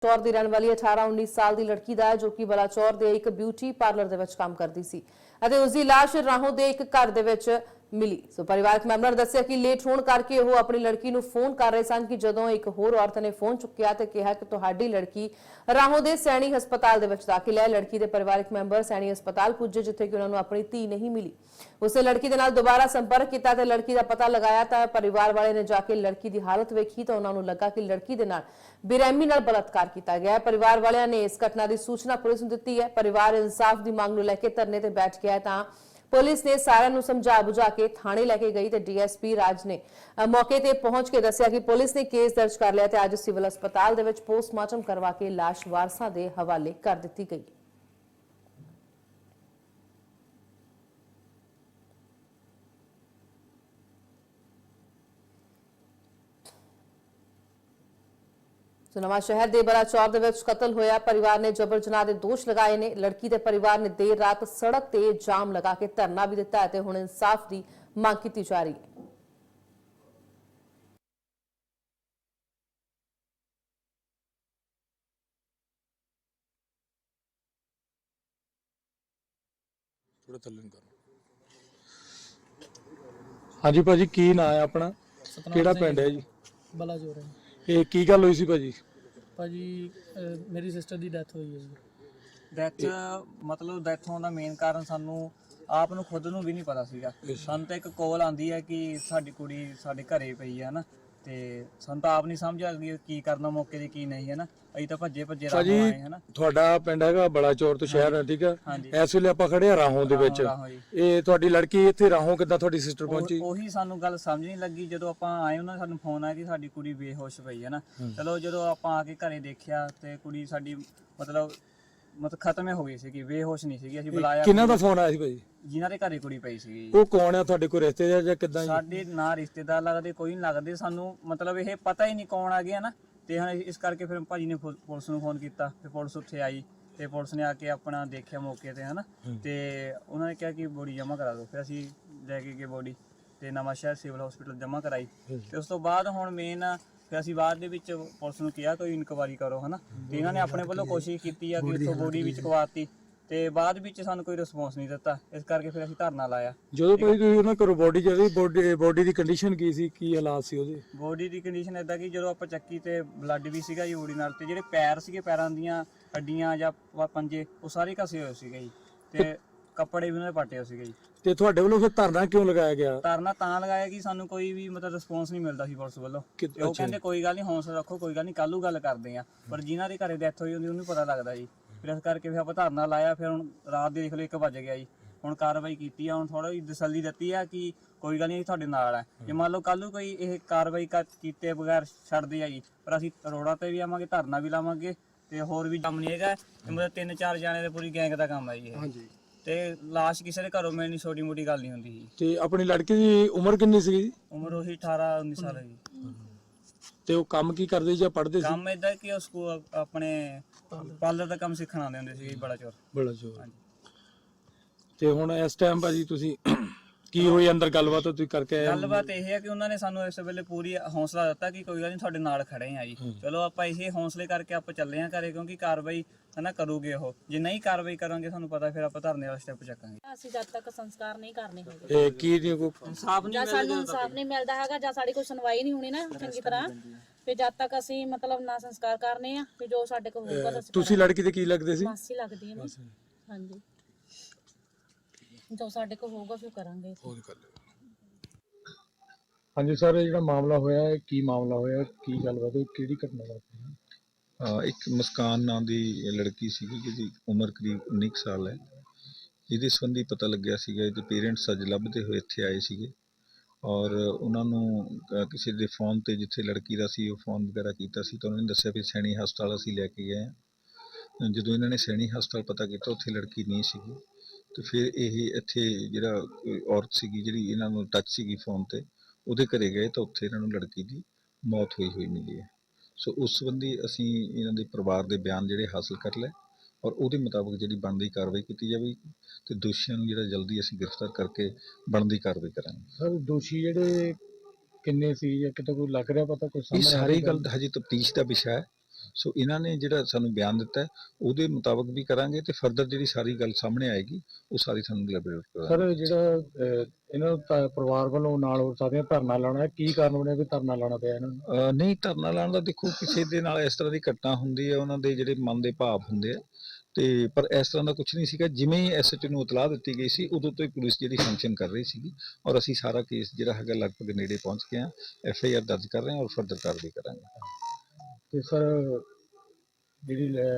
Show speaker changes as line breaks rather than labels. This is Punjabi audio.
ਚੌਰ ਦੀ ਰਹਿਣ ਵਾਲੀ 18-19 ਸਾਲ ਦੀ ਲੜਕੀ ਦਾ ਜੋ ਕਿ ਬਲਾਚੌਰ ਦੇ ਇੱਕ ਬਿਊਟੀ ਪਾਰਲਰ ਦੇ ਵਿੱਚ ਕੰਮ ਕਰਦੀ ਸੀ ਅਤੇ ਉਸ ਦੀ ਲਾਸ਼ ਰਾਹੋਂ ਦੇ ਇੱਕ ਘਰ ਦੇ ਵਿੱਚ ਮਿਲੀ। ਸੋ ਪਰਿਵਾਰਕ ਮੈਂਬਰਾਂ ਨੇ ਦੱਸਿਆ ਕਿ ਲੇਟ ਹੋਣ ਕਰਕੇ ਉਹ ਆਪਣੀ ਲੜਕੀ ਨੂੰ ਫੋਨ ਕਰ ਰਹੇ ਸਨ ਕਿ ਜਦੋਂ ਇੱਕ ਹੋਰ ਔਰਤ ਨੇ ਫੋਨ ਚੁੱਕਿਆ ਤੇ ਕਿਹਾ ਕਿ ਤੁਹਾਡੀ ਲੜਕੀ ਰਾਹੋਂ ਦੇ ਸੈਣੀ ਹਸਪਤਾਲ ਦੇ ਵਿੱਚ ਦਾਖਲ ਹੈ। ਲੜਕੀ ਦੇ ਪਰਿਵਾਰਕ ਮੈਂਬਰ ਸੈਣੀ ਹਸਪਤਾਲ ਪੁੱਜੇ ਜਿੱਥੇ ਕਿ ਉਹਨਾਂ ਨੂੰ ਆਪਣੀ ਧੀ ਨਹੀਂ ਮਿਲੀ। ਉਸੇ ਲੜਕੀ ਦੇ ਨਾਲ ਦੁਬਾਰਾ ਸੰਪਰਕ ਕੀਤਾ ਤੇ ਲੜਕੀ ਦਾ ਪਤਾ ਲਗਾਇਆ ਤਾਂ ਪਰਿਵਾਰ ਵਾਲੇ ਨੇ ਜਾ ਕੇ ਲੜਕੀ ਦੀ ਹਾਲਤ ਵੇਖੀ ਤਾਂ ਉਹਨਾਂ ਨੂੰ ਲੱਗਾ ਕਿ ਲੜਕੀ ਦੇ ਨਾਲ ਬੇਰਹਿਮੀ ਨਾਲ ਬਲਾਤਕਾਰ ਕੀਤਾ ਗਿਆ ਹੈ। ਪਰਿਵਾਰ ਵਾਲਿਆਂ ਨੇ ਇਸ ਘਟਨਾ ਦੀ ਸੂਚਨਾ ਪੁਲਿਸ ਨੂੰ ਦਿੱਤੀ ਹੈ। ਪਰਿਵਾਰ ਇਨਸਾਫ ਦੀ ਮੰਗ ਨੂੰ ਲੈ ਕੇ ਧਰਨੇ ਤੇ ਬੈਠ ਗਿਆ ਤਾਂ ਪੁਲਿਸ ਨੇ ਸਾਰਿਆਂ ਨੂੰ ਸਮਝਾ ਬੁਝਾ ਕੇ ਥਾਣੇ ਲੈ ਕੇ ਗਈ ਤੇ ਡੀਐਸਪੀ ਰਾਜ ਨੇ ਮੌਕੇ ਤੇ ਪਹੁੰਚ ਕੇ ਦੱਸਿਆ ਕਿ ਪੁਲਿਸ ਨੇ ਕੇਸ ਦਰਜ ਕਰ ਲਿਆ ਤੇ ਅੱਜ ਸਿਵਲ ਹਸਪਤਾਲ ਦੇ ਵਿੱਚ ਪੋਸਟਮਾਰਟਮ ਕਰਵਾ ਕੇ ਲਾਸ਼ ਵਾਰਸਾਂ ਦੇ ਹਵਾਲੇ ਕਰ ਦਿੱਤੀ ਗਈ। ਨਵਾਂ ਸ਼ਹਿਰ ਦੇ ਬਲਾਚੌਰ ਦੇ ਵਿੱਚ ਕਤਲ ਹੋਇਆ। ਪਰਿਵਾਰ ਨੇ ਜਬਰ ਜਨਾਹ ਦੇ ਦੋਸ਼ ਲਗਾਏ ਨੇ। ਲੜਕੀ ਦੇ ਪਰਿਵਾਰ ਨੇ ਦੇਰ ਰਾਤ ਸੜਕ ਤੇ ਜਾਮ ਲਗਾ ਕੇ ਧਰਨਾ ਵੀ ਦਿੱਤਾ ਤੇ ਹੁਣ ਇਨਸਾਫ ਦੀ ਮੰਗ ਕੀਤੀ ਜਾ ਰਹੀ ਹੈ।
ਹਾਂਜੀ ਭਾਜੀ, ਕੀ ਨਾਂ ਹੈ ਆਪਣਾ, ਕਿਹੜਾ ਪਿੰਡ ਹੈ ਜੀ?
ਬਲਾਚੌਰ ਹੈ।
ਇਹ ਕੀ ਗੱਲ ਹੋਈ ਸੀ ਭਾਜੀ?
ਭਾਜੀ ਮੇਰੀ ਸਿਸਟਰ ਦੀ ਡੈਥ ਹੋਈ ਹੈ ਜੀ।
ਡੈਥ ਮਤਲਬ ਡੈਥ ਹੋਣ ਦਾ ਮੇਨ ਕਾਰਨ ਸਾਨੂੰ ਆਪ ਨੂੰ ਖੁਦ ਨੂੰ ਵੀ ਨਹੀਂ ਪਤਾ ਸੀਗਾ। ਸਾਨੂੰ ਤਾਂ ਇੱਕ ਕਾਲ ਆਂਦੀ ਹੈ ਕਿ ਸਾਡੀ ਕੁੜੀ ਸਾਡੇ ਘਰੇ ਪਈ ਹੈ ਨਾ, ਤੇ ਸਾਨੂੰ ਤਾਂ ਆਪ ਨਹੀਂ ਸਮਝ ਆ ਗਈ ਕੀ ਕਰਨਾ ਮੌਕੇ ਤੇ ਕੀ ਨਹੀਂ ਹੈ ਨਾ। ਅਸੀਂ ਤਾਂ ਭੱਜੇ ਰਾਹੋਂ ਆਏ ਹੈ ਨਾ।
ਤੁਹਾਡਾ ਪਿੰਡ ਹੈਗਾ ਬਲਾਚੌਰ ਤੋਂ ਸ਼ਹਿਰ ਹੈ, ਠੀਕ ਹੈ? ਇਸ ਵੇਲੇ ਆਪਾਂ ਖੜੇ ਆ ਰਾਹੋਂ ਦੇ ਵਿੱਚ। ਇਹ ਤੁਹਾਡੀ ਲੜਕੀ ਇੱਥੇ ਰਾਹੋਂ ਕਿੱਦਾਂ ਤੁਹਾਡੀ ਸਿਸਟਰ ਪਹੁੰਚੀ?
ਉਹੀ ਸਾਨੂੰ ਗੱਲ ਸਮਝ ਨਹੀਂ ਲੱਗੀ। ਜਦੋਂ ਆਪਾਂ ਆਏ ਉਹਨਾਂ ਨੇ ਸਾਨੂੰ ਫੋਨ ਆਇਆ ਕਿ ਸਾਡੀ ਕੁੜੀ ਬੇਹੋਸ਼ ਪਈ ਹੈ ਨਾ। ਚਲੋ ਜਦੋਂ ਆਪਾਂ ਆ ਕੇ ਘਰੇ ਦੇਖਿਆ ਤੇ ਕੁੜੀ ਸਾਡੀ ਮਤਲਬ ਖਤਮ ਹੋ ਗਈ ਸੀਗੀ, ਬੇਹੋਸ਼ ਨਹੀਂ ਸੀਗੀ। ਅਸੀਂ ਬੁਲਾਇਆ।
ਕਿਹਨਾਂ ਦਾ ਫੋਨ ਆਇਆ ਸੀ ਭਾਜੀ?
ਜਿਨ੍ਹਾਂ ਦੇ ਘਰੇ ਕੁੜੀ ਪਈ ਸੀਗੀ।
ਉਹ ਕੌਣ ਆ ਤੁਹਾਡੇ ਕੋਲ, ਰਿਸ਼ਤੇਦਾਰ ਜਾਂ ਕਿੱਦਾਂ?
ਸਾਡੇ ਨਾ ਰਿਸ਼ਤੇਦਾਰ ਲੱਗਦੇ, ਕੋਈ ਨਹੀਂ ਲੱਗਦੇ ਸਾਨੂੰ, ਮਤਲਬ ਇਹ ਪਤਾ ਹੀ ਨਹੀਂ ਕੌਣ ਆ ਗਿਆ ਨਾ। ਤੇ ਹੁਣ ਇਸ ਕਰਕੇ ਫਿਰ ਭਾਜੀ ਨੇ ਪੁਲਿਸ ਨੂੰ ਫੋਨ ਕੀਤਾ ਤੇ ਪੁਲਿਸ ਉੱਥੇ ਆਈ ਤੇ ਪੁਲਿਸ ਨੇ ਆ ਕੇ ਆਪਣਾ ਦੇਖਿਆ ਮੌਕੇ ਤੇ ਹਨਾ। ਤੇ ਉਹਨਾਂ ਨੇ ਕਿਹਾ ਕਿ ਬੋਡੀ ਜਮ੍ਹਾਂ ਕਰਾ ਦਿਓ। ਫਿਰ ਅਸੀਂ ਲੈ ਕੇ ਗਏ ਬੋਡੀ ਤੇ ਨਵਾਂ ਸ਼ਹਿਰ ਸਿਵਲ ਹਸਪੀਟਲ ਜਮ੍ਹਾਂ ਕਰਾਈ। ਤੇ ਉਸ ਤੋਂ ਬਾਅਦ ਹੁਣ ਮੇਨ ਫਿਰ ਅਸੀਂ ਬਾਅਦ ਦੇ ਵਿੱਚ ਪੁਲਿਸ ਨੂੰ ਕਿਹਾ ਕੋਈ ਇਨਕੁਆਇਰੀ ਕਰੋ ਹਨਾ। ਤੇ ਇਹਨਾਂ ਨੇ ਆਪਣੇ ਵੱਲੋਂ ਕੋਸ਼ਿਸ਼ ਕੀਤੀ ਆ ਕਿ ਉੱਥੋਂ ਬੋਡੀ ਵਿੱਚ ਚੁਕਵਾਤੀ ਤੇ ਬਾਅਦ ਵਿੱਚ ਸਾਨੂੰ ਕੋਈ ਰਿਸਪੌਂਸ ਨਹੀਂ ਦਿੱਤਾ। ਇਸ ਕਰਕੇ ਫਿਰ ਅਸੀਂ ਧਰਨਾ ਲਾਇਆ।
ਜਦੋਂ ਭਾਈ ਤੁਸੀਂ ਉਹਨਾਂ ਕੋਲ ਬੋਡੀ ਜਿਹੜੀ ਬੋਡੀ ਦੀ ਕੰਡੀਸ਼ਨ ਕੀ ਸੀ, ਕੀ ਹਾਲਾਤ ਸੀ ਉਹਦੇ?
ਬੋਡੀ ਦੀ ਕੰਡੀਸ਼ਨ ਇਦਾਂ ਕਿ ਜਦੋਂ ਆਪਾਂ ਚੱਕੀ ਤੇ ਬਲੱਡ ਵੀ ਸੀਗਾ ਜੀ ਬੋਡੀ ਨਾਲ, ਤੇ ਜਿਹੜੇ ਪੈਰ ਸੀਗੇ, ਪੈਰਾਂ ਦੀਆਂ ਹੱਡੀਆਂ ਜਾਂ ਪੰਜੇ ਉਹ ਸਾਰੇ ਘਸੇ ਹੋਏ ਸੀਗੇ ਜੀ, ਤੇ ਕੱਪੜੇ ਵੀ ਉਹਨਾਂ ਦੇ ਪਾਟੇ ਹੋਏ ਸੀਗੇ ਜੀ।
ਤੇ ਤੁਹਾਡੇ ਵੱਲੋਂ ਫਿਰ ਧਰਨਾ ਕਿਉਂ ਲਗਾਇਆ ਗਿਆ?
ਧਰਨਾ ਤਾਂ ਲਗਾਇਆ ਕਿ ਸਾਨੂੰ ਕੋਈ ਵੀ ਮਤਲਬ ਰਿਸਪੌਂਸ ਨਹੀਂ ਮਿਲਦਾ ਸੀ ਪੁਲਿਸ ਵੱਲੋਂ। ਉਹ ਕਹਿੰਦੇ ਕੋਈ ਗੱਲ ਨਹੀਂ, ਹੌਸਲਾ ਰੱਖੋ, ਕੋਈ ਗੱਲ ਨਹੀਂ, ਕੱਲ੍ਹ ਨੂੰ ਗੱਲ ਕਰਦੇ ਆ। ਪਰ ਜਿਨ੍ਹਾਂ ਦੇ ਘਰੇ ਡੈਥ ਹੋਈ ਹੁੰਦੀ ਉਹਨੂੰ ਪਤਾ ਲੱਗਦਾ ਜੀ। ਫਿਰ ਇਸ ਕਰਕੇ ਫਿਰ ਆਪਾਂ ਧਰਨਾ ਲਾਇਆ। ਫਿਰ ਹੁਣ ਰਾਤ ਦੇ ਦੇਖ ਲਓ 1 ਵਜ ਗਿਆ ਜੀ। ਹੁਣ ਕਾਰਵਾਈ ਕੀਤੀ ਆ। ਹੁਣ ਥੋੜਾ ਜਿਹੀ ਤਸੱਲੀ ਦਿੱਤੀ ਆ ਕਿ ਕੋਈ ਗੱਲ ਨਹੀਂ, ਤੁਹਾਡੇ ਨਾਲ ਹੈ। ਜੇ ਮੰਨ ਲਓ ਕੱਲ੍ਹ ਨੂੰ ਕੋਈ ਇਹ ਕਾਰਵਾਈ ਕੀਤੇ ਬਗੈਰ ਛੱਡਦੇ ਆ ਜੀ, ਪਰ ਅਸੀਂ ਰੋਡਾਂ ਤੇ ਵੀ ਆਵਾਂਗੇ, ਧਰਨਾ ਵੀ ਲਾਵਾਂਗੇ ਤੇ ਹੋਰ ਵੀ ਕੰਮ ਨਹੀਂ ਹੈਗਾ। ਮਤਲਬ 3-4 ਜਾਣੇ ਦੇ ਪੂਰੀ ਗੈਂਗ ਦਾ ਕੰਮ ਹੈ ਜੀ ਇਹ। ਤੇ ਲਾਸ਼ ਕਿਸੇ ਦੇ ਘਰੋਂ ਮਿਲਣੀ ਛੋਟੀ ਮੋਟੀ ਗੱਲ ਨਹੀਂ ਹੁੰਦੀ ਜੀ।
ਤੇ ਆਪਣੀ ਲੜਕੀ ਦੀ ਉਮਰ ਕਿੰਨੀ ਸੀ ਜੀ?
ਉਮਰ ਉਹੀ 18-19 ਸਾਲ ਹੈ ਜੀ।
ਤੇ ਉਹ ਕੰਮ ਕੀ ਕਰਦੇ ਜਾਂ ਪੜ੍ਹਦੇ ਸੀ?
ਕੰਮ ਇਦਾਂ ਕਿ ਉਹ ਸਕੂਲ ਆਪਣੇ ਪਾਰਲਰ ਦਾ ਕੰਮ ਸਿੱਖਣ ਆਉਂਦੇ ਹੁੰਦੇ ਸੀ ਬਲਾਚੌਰ।
ਤੇ ਹੁਣ ਇਸ ਟਾਈਮ ਭਾਜੀ ਤੁਸੀਂ ਕੀ ਹੋਈ ਅੰਦਰ ਗੱਲਬਾਤ ਤੁਸੀਂ ਕਰਕੇ ਆਏ?
ਗੱਲਬਾਤ ਇਹ ਹੈ ਕਿ ਉਹਨਾਂ ਨੇ ਸਾਨੂੰ ਇਸ ਵੇਲੇ ਪੂਰੀ ਹੌਸਲਾ ਦਿੱਤਾ ਕਿ ਕੋਈ ਗੱਲ ਨਹੀਂ, ਤੁਹਾਡੇ ਨਾਲ ਖੜੇ ਆ ਜੀ। ਚਲੋ ਆਪਾਂ ਇਸੇ ਹੌਸਲੇ ਕਰਕੇ ਆਪਾਂ ਚੱਲੇ ਆ ਘਰੇ, ਕਿਉਂਕਿ ਕਾਰਵਾਈ ਹਨਾ ਕਰੂਗੇ ਉਹ। ਜੇ ਨਹੀਂ ਕਾਰਵਾਈ ਕਰਾਂਗੇ ਸਾਨੂੰ ਪਤਾ ਫਿਰ ਆਪਾਂ ਧਰਨੇ ਵਾਲਾ ਸਟੈਪ ਚੱਕਾਂਗੇ।
ਅਸੀਂ ਜਦ ਤੱਕ ਸੰਸਕਾਰ ਨਹੀਂ ਕਰਨੇ ਹੋਗੇ,
ਇਹ ਕੀ ਨਹੀਂ ਕੋਈ
ਇਨਸਾਫ ਨਹੀਂ
ਜਾਂ ਸਾਨੂੰ ਇਨਸਾਫ ਨਹੀਂ ਮਿਲਦਾ ਹੈਗਾ, ਜਾਂ ਸਾਡੀ ਕੋਈ ਸੁਣਵਾਈ ਨਹੀਂ ਹੋਣੀ ਨਾ ਚੰਗੀ ਤਰ੍ਹਾਂ, ਫਿਰ ਜਦ ਤੱਕ ਅਸੀਂ ਮਤਲਬ ਨਾ ਸੰਸਕਾਰ ਕਰਨੇ ਆ, ਫਿਰ ਜੋ ਸਾਡੇ ਕੋਲ ਹੋਊਗਾ ਤਾਂ
ਤੁਸੀਂ ਲੜਕੀ ਦੇ ਕੀ ਲੱਗਦੇ ਸੀ?
ਮਾਸੀ ਲੱਗਦੀ ਹੈ ਨਾ। ਹਾਂਜੀ, ਜੋ ਸਾਡੇ ਕੋਲ ਹੋਊਗਾ ਫਿਰ ਕਰਾਂਗੇ।
ਹਾਂਜੀ ਸਰ, ਇਹ ਜਿਹੜਾ ਮਾਮਲਾ ਹੋਇਆ ਹੈ, ਕੀ ਮਾਮਲਾ ਹੋਇਆ, ਕੀ ਗੱਲਬਾਤ ਹੋਈ, ਕਿਹੜੀ ਘਟਨਾ ਵਾਪਰੀ?
ਇੱਕ ਮੁਸਕਾਨ ਨਾਂ ਦੀ ਲੜਕੀ ਸੀਗੀ ਜਿਹਦੀ ਉਮਰ ਕਰੀਬ 19 ਸਾਲ ਹੈ। ਇਹਦੇ ਸੰਬੰਧੀ ਪਤਾ ਲੱਗਿਆ ਸੀਗਾ, ਇਹਦੇ ਪੇਰੈਂਟਸ ਅੱਜ ਲੱਭਦੇ ਹੋਏ ਇੱਥੇ ਆਏ ਸੀਗੇ ਔਰ ਉਹਨਾਂ ਨੂੰ ਕਿਸੇ ਦੇ ਫੋਨ ਤੇ, ਜਿੱਥੇ ਲੜਕੀ ਦਾ ਸੀ ਉਹ ਫੋਨ ਵਗੈਰਾ ਕੀਤਾ ਸੀ, ਤਾਂ ਉਹਨਾਂ ਨੇ ਦੱਸਿਆ ਵੀ ਸੈਣੀ ਹਸਪਤਾਲ ਅਸੀਂ ਲੈ ਕੇ ਗਏ ਹਾਂ। ਜਦੋਂ ਇਹਨਾਂ ਨੇ ਸੈਣੀ ਹਸਪਤਾਲ ਪਤਾ ਕੀਤਾ, ਉੱਥੇ ਲੜਕੀ ਨਹੀਂ ਸੀਗੀ। ਤੇ ਫਿਰ ਇਹ ਇੱਥੇ ਜਿਹੜਾ ਔਰਤ ਸੀਗੀ ਜਿਹੜੀ ਇਹਨਾਂ ਨੂੰ ਟੱਚ ਸੀਗੀ ਫੋਨ ਤੇ, ਉਹਦੇ ਘਰੇ ਗਏ ਤਾਂ ਉੱਥੇ ਇਹਨਾਂ ਨੂੰ ਲੜਕੀ ਦੀ ਮੌਤ ਹੋਈ ਮਿਲੀ ਹੈ। ਸੋ ਉਸ ਸੰਬੰਧੀ ਅਸੀਂ ਇਹਨਾਂ ਦੇ ਪਰਿਵਾਰ ਦੇ ਬਿਆਨ ਜਿਹੜੇ ਹਾਸਲ ਕਰ ਲਏ ਔਰ ਉਹਦੇ ਮੁਤਾਬਕ ਜਿਹੜੀ ਬਣਦੀ ਕਾਰਵਾਈ ਕੀਤੀ ਜਾਵੇਗੀ ਤੇ ਦੋਸ਼ੀਆਂ ਨੂੰ ਜਿਹੜਾ ਜਲਦੀ ਅਸੀਂ ਗ੍ਰਿਫਤਾਰ ਕਰਕੇ ਬਣਦੀ ਕਾਰਵਾਈ ਕਰਾਂਗੇ।
ਸਰ ਦੋਸ਼ੀ ਜਿਹੜੇ ਕਿੰਨੇ ਸੀ ਜਾਂ ਕਿਤੇ ਕੋਈ ਲੱਗ ਰਿਹਾ ਪਤਾ ਕੋਈ
ਇਹ
ਸਾਹਮਣੇ?
ਸਾਰੀ ਗੱਲ ਹਜੇ ਤਫਤੀਸ਼ ਦਾ ਵਿਸ਼ਾ ਹੈ। ਸੋ ਇਹਨਾਂ ਨੇ ਜਿਹੜਾ ਸਾਨੂੰ ਬਿਆਨ ਦਿੱਤਾ ਹੈ, ਉਹਦੇ ਮੁਤਾਬਕ ਵੀ ਕਰਾਂਗੇ ਤੇ ਫਰਦਰ ਜਿਹੜੀ ਸਾਰੀ ਗੱਲ ਸਾਹਮਣੇ ਆਏਗੀ ਉਹ ਸਾਰੀ ਸਾਨੂੰ ਐਲੈਬੋਰੇਟ ਕਰਾਂਗੇ।
ਸਰ ਜਿਹੜਾ ਇਹਨਾਂ ਦਾ ਪਰਿਵਾਰ ਵੱਲੋਂ ਨਾਲ ਹੋਰ ਸਾਥੀਆਂ ਧਰਨਾ ਲਾਉਣਾ, ਕੀ ਕਾਰਨ ਬਣਿਆ ਵੀ ਧਰਨਾ ਲਾਉਣਾ ਪਿਆ ਇਹਨਾਂ ਨੂੰ?
ਨਹੀਂ, ਧਰਨਾ ਲਾਉਣ ਦਾ ਦੇਖੋ ਕਿਸੇ ਦੇ ਨਾਲ ਇਸ ਤਰ੍ਹਾਂ ਦੀ ਘਟਨਾ ਹੁੰਦੀ ਹੈ, ਉਹਨਾਂ ਦੇ ਜਿਹੜੇ ਮਨ ਦੇ ਭਾਵ ਹੁੰਦੇ ਆ, ਤੇ ਪਰ ਇਸ ਤਰ੍ਹਾਂ ਦਾ ਕੁਝ ਨਹੀਂ ਸੀਗਾ। ਜਿਵੇਂ ਹੀ ਐਸਐਚਓ ਨੂੰ ਇਤਲਾਹ ਦਿੱਤੀ ਗਈ ਸੀ ਉਦੋਂ ਤੋਂ ਹੀ ਪੁਲਿਸ ਜਿਹੜੀ ਫੰਕਸ਼ਨ ਕਰ ਰਹੀ ਸੀਗੀ, ਔਰ ਅਸੀਂ ਸਾਰਾ ਕੇਸ ਜਿਹੜਾ ਹੈਗਾ ਲਗਭਗ ਨੇੜੇ ਪਹੁੰਚ ਗਏ ਹਾਂ, FIR ਦਰਜ ਕਰ ਰਹੇ ਹਾਂ ਔਰ ਫਰਦਰ ਕਾਰਵਾਈ ਕਰਾਂਗੇ।
ਤੇ ਸਰ ਜਿਹੜੀ